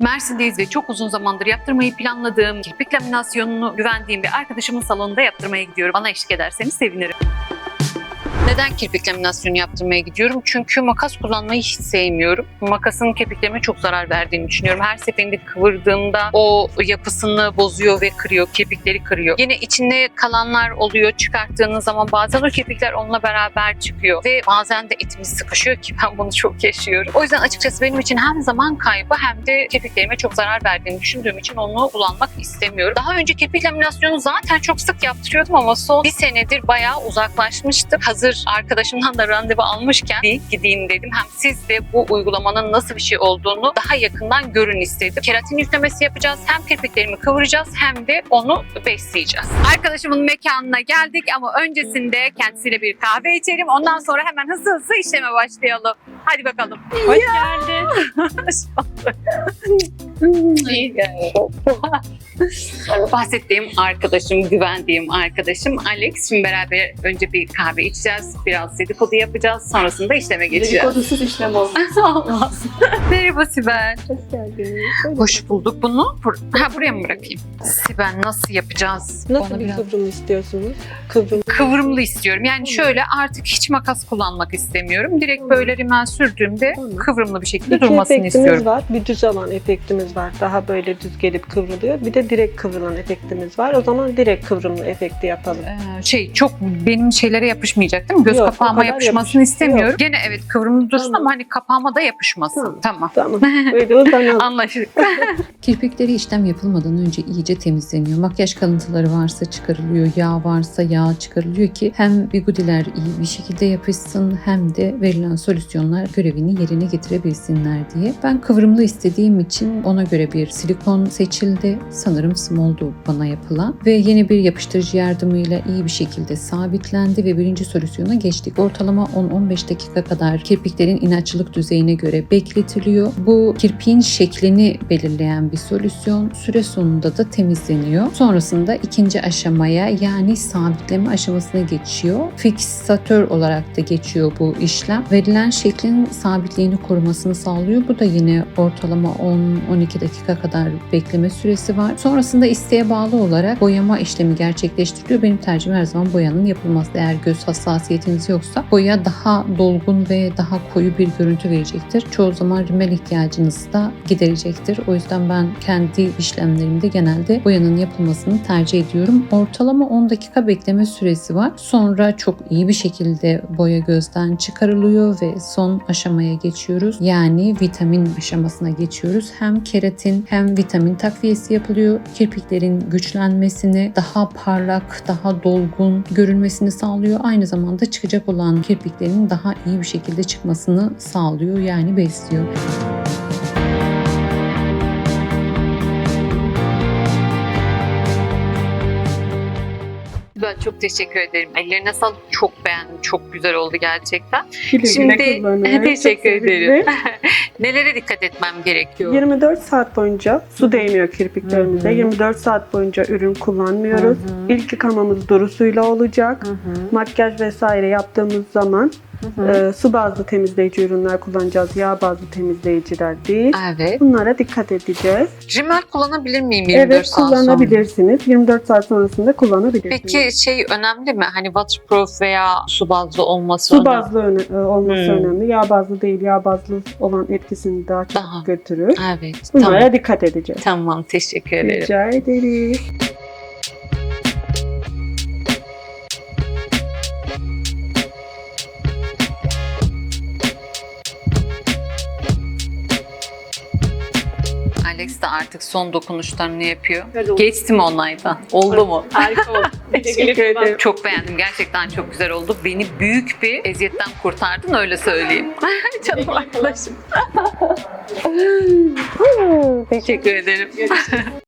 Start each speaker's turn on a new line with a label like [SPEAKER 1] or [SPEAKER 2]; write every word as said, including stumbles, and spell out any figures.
[SPEAKER 1] Mersin'deyiz ve çok uzun zamandır yaptırmayı planladığım kirpik laminasyonunu güvendiğim bir arkadaşımın salonunda yaptırmaya gidiyorum. Bana eşlik ederseniz sevinirim. Neden kirpik laminasyonu yaptırmaya gidiyorum? Çünkü makas kullanmayı hiç sevmiyorum. Makasın kirpiklerime çok zarar verdiğini düşünüyorum. Her seferinde kıvırdığımda o yapısını bozuyor ve kırıyor, kirpikleri kırıyor. Yine içinde kalanlar oluyor. Çıkarttığınız zaman bazen o kirpikler onunla beraber çıkıyor ve bazen de etimiz sıkışıyor ki ben bunu çok yaşıyorum. O yüzden açıkçası benim için hem zaman kaybı hem de kirpiklerime çok zarar verdiğini düşündüğüm için onu kullanmak istemiyorum. Daha önce kirpik laminasyonu zaten çok sık yaptırıyordum ama son bir senedir bayağı uzaklaşmıştım. Hazır arkadaşımdan da randevu almışken bir gideyim dedim. Hem siz de bu uygulamanın nasıl bir şey olduğunu daha yakından görün istedim. Keratin yüklemesi yapacağız. Hem kirpiklerimi kıvıracağız hem de onu besleyeceğiz. Arkadaşımın mekanına geldik ama öncesinde kendisiyle bir kahve içelim. Ondan sonra hemen hızlı hızlı işleme başlayalım. Hadi bakalım.
[SPEAKER 2] Hoş geldin.
[SPEAKER 1] İyi geldin. Bahsettiğim arkadaşım, güvendiğim arkadaşım Alex. Şimdi beraber önce bir kahve içeceğiz. Biraz dedikodu yapacağız. Sonrasında işleme geçeceğiz.
[SPEAKER 2] Dedikodusuz işlem olmaz.
[SPEAKER 1] Olmaz. Merhaba Sibel.
[SPEAKER 2] Hoş geldiniz.
[SPEAKER 1] Hoş bulduk. Bunu bur- ha, buraya mı bırakayım? Sibel nasıl yapacağız?
[SPEAKER 2] Nasıl
[SPEAKER 1] Onu
[SPEAKER 2] bir
[SPEAKER 1] biraz-
[SPEAKER 2] kıvrım istiyorsunuz? Kıvrım.
[SPEAKER 1] Kıvrımlı istiyorum. Yani şöyle artık hiç makas kullanmak istemiyorum. Direkt böyle rimel sürdüğümde
[SPEAKER 2] Tamam.
[SPEAKER 1] kıvrımlı bir şekilde
[SPEAKER 2] İki
[SPEAKER 1] durmasını
[SPEAKER 2] efektimiz
[SPEAKER 1] istiyorum.
[SPEAKER 2] var. Bir düz alan efektimiz var. Daha böyle düz gelip kıvrılıyor. Bir de direkt kıvrılan efektimiz var. O zaman direkt kıvrımlı efekti yapalım.
[SPEAKER 1] Ee, şey çok benim şeylere yapışmayacak değil mi? Göz
[SPEAKER 2] Yok, o
[SPEAKER 1] kapağıma
[SPEAKER 2] kadar
[SPEAKER 1] yapışmasını
[SPEAKER 2] yapış-
[SPEAKER 1] istemiyorum.
[SPEAKER 2] Yok.
[SPEAKER 1] Gene evet kıvrımlı dursun
[SPEAKER 2] Tamam.
[SPEAKER 1] ama hani kapağıma da yapışmasın.
[SPEAKER 2] Tamam.
[SPEAKER 1] Tamam.
[SPEAKER 2] Tamam. Böyle uzanalım.
[SPEAKER 1] Anlaşıldı.
[SPEAKER 3] Kirpikleri işlem yapılmadan önce iyice temizleniyor. Makyaj kalıntıları varsa çıkarılıyor, yağ varsa yağ çıkarılıyor ki hem bigudiler iyi bir şekilde yapışsın hem de verilen solüsyonlar görevini yerine getirebilsinler diye. Ben kıvrımlı istediğim için ona göre bir silikon seçildi. Sanırım small'du bana yapılan ve yeni bir yapıştırıcı yardımıyla iyi bir şekilde sabitlendi ve birinci solüsyona geçtik. Ortalama on on beş dakika kadar kirpiklerin inatçılık düzeyine göre bekletiliyor. Bu kirpiğin şeklini belirleyen bir solüsyon. Süre sonunda da temizleniyor. Sonrasında ikinci aşamaya yani sabitleme aşamasına geçiyor. Fiksatör olarak da geçiyor bu işlem. Verilen şeklin sabitliğini korumasını sağlıyor. Bu da yine ortalama on on iki dakika kadar bekleme süresi var. Sonrasında isteğe bağlı olarak boyama işlemi gerçekleştiriliyor. Benim tercihim her zaman boyanın yapılması. Eğer göz hassasiyetiniz yoksa boya daha dolgun ve daha koyu bir görüntü verecektir. Çoğu zaman rimel ihtiyacınızı da giderecektir. O yüzden ben kendi işlemlerimde genelde boyanın yapılmasını tercih ediyorum. Ortalama on dakika bekleme süresi var. Sonra çok iyi bir şekilde boya gözden çıkarılıyor ve son aşamaya geçiyoruz. Yani vitamin aşamasına geçiyoruz. Hem keratin hem vitamin takviyesi yapılıyor. Kirpiklerin güçlenmesini, daha parlak, daha dolgun görünmesini sağlıyor. Aynı zamanda çıkacak olan kirpiklerin daha iyi bir şekilde çıkmasını sağlıyor. Yani besliyor.
[SPEAKER 1] Ben çok teşekkür ederim. Ellerine sağlık. Çok beğendim. Çok güzel oldu gerçekten.
[SPEAKER 2] Güle güle
[SPEAKER 1] Şimdi
[SPEAKER 2] kullanın.
[SPEAKER 1] teşekkür
[SPEAKER 2] Çok
[SPEAKER 1] ederim.
[SPEAKER 2] sevindim.
[SPEAKER 1] Nelere dikkat etmem gerekiyor?
[SPEAKER 2] yirmi dört saat boyunca su değmiyor kirpiklerimize.
[SPEAKER 1] Hı hı.
[SPEAKER 2] yirmi dört saat boyunca ürün kullanmıyoruz.
[SPEAKER 1] Hı hı.
[SPEAKER 2] İlk yıkamamız duru suyla olacak.
[SPEAKER 1] Hı hı.
[SPEAKER 2] Makyaj vesaire yaptığımız zaman
[SPEAKER 1] Hı hı.
[SPEAKER 2] e, su bazlı temizleyici ürünler kullanacağız. Yağ bazlı temizleyiciler değil.
[SPEAKER 1] Evet.
[SPEAKER 2] Bunlara dikkat edeceğiz.
[SPEAKER 1] Rimel kullanabilir miyim yirmi dört
[SPEAKER 2] Evet,
[SPEAKER 1] saat sonra?
[SPEAKER 2] kullanabilirsiniz. yirmi dört saat sonrasında kullanabilirsiniz.
[SPEAKER 1] Peki şey önemli mi? Hani waterproof veya su bazlı olması
[SPEAKER 2] Su
[SPEAKER 1] önemli.
[SPEAKER 2] bazlı öne- e, olması
[SPEAKER 1] Hmm.
[SPEAKER 2] önemli. Yağ bazlı değil. Yağ bazlı olan etkisini daha çok
[SPEAKER 1] Daha.
[SPEAKER 2] götürür.
[SPEAKER 1] Evet.
[SPEAKER 2] Bunlara
[SPEAKER 1] Tamam.
[SPEAKER 2] dikkat edeceğiz.
[SPEAKER 1] Tamam. Teşekkür ederim.
[SPEAKER 2] Rica ederiz.
[SPEAKER 1] Alex de artık son dokunuşlarını yapıyor.
[SPEAKER 2] Hadi oldu.
[SPEAKER 1] Geçti mi onlardan? Oldu mu?
[SPEAKER 2] Harika oldu.
[SPEAKER 1] Teşekkür ederim. Çok beğendim. Gerçekten çok güzel oldu. Beni büyük bir eziyetten kurtardın öyle söyleyeyim. Canım arkadaşım. Teşekkür ederim.